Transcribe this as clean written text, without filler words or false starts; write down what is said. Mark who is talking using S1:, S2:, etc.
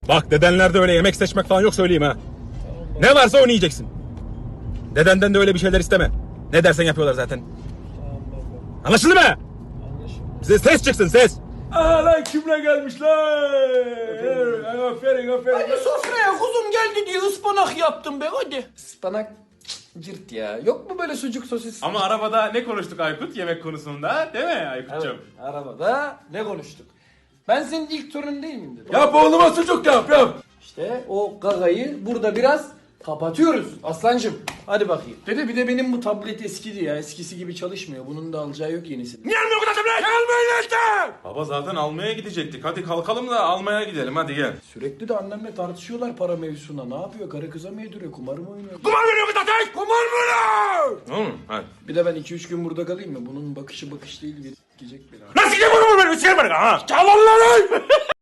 S1: Bak dedenlerde öyle yemek seçmek falan yok söyleyeyim ha. Ne varsa onu yiyeceksin. Dedenden de öyle bir şeyler isteme. Ne dersen yapıyorlar zaten. Anlaşıldı mı? Bize ses çıksın ses. Aa lan kimle gelmişler? Aferin aferin.
S2: Hadi sofraya kuzum geldi diye ıspanak yaptım be hadi. Ispanak cırt ya. Yok mu böyle sucuk sosis?
S3: Ama arabada ne konuştuk Aykut yemek konusunda değil mi Aykut'cum?
S2: Evet, arabada ne konuştuk? Ben senin ilk torun değil miyim dedim.
S1: Yap oğluma sucuk yap.
S2: İşte o gagayı burada biraz kapatıyoruz aslancım. Hadi bakayım. Dede bir de benim bu tablet eskidi ya. Eskisi gibi çalışmıyor. Bunun da alacağı yok yenisini.
S1: Niye almıyor o kadar tablet? Almayın işte.
S3: Baba zaten almaya gidecektik. Hadi kalkalım da almaya gidelim hadi gel.
S2: Sürekli de annemle tartışıyorlar para mevzusuna. Ne yapıyor? Karı kıza mı yediriyor? Kumar mı oynuyor?
S1: Kumar veriyor kız zaten. Kumar mı lan?
S3: Tamam mı? Hadi.
S2: Bir de ben 2-3 gün burada kalayım mı? Bunun bakışı bakış değil. Gidecek beni.
S1: Nasıl gideyim bunu ben? Üç yer var ha. Çalın lan.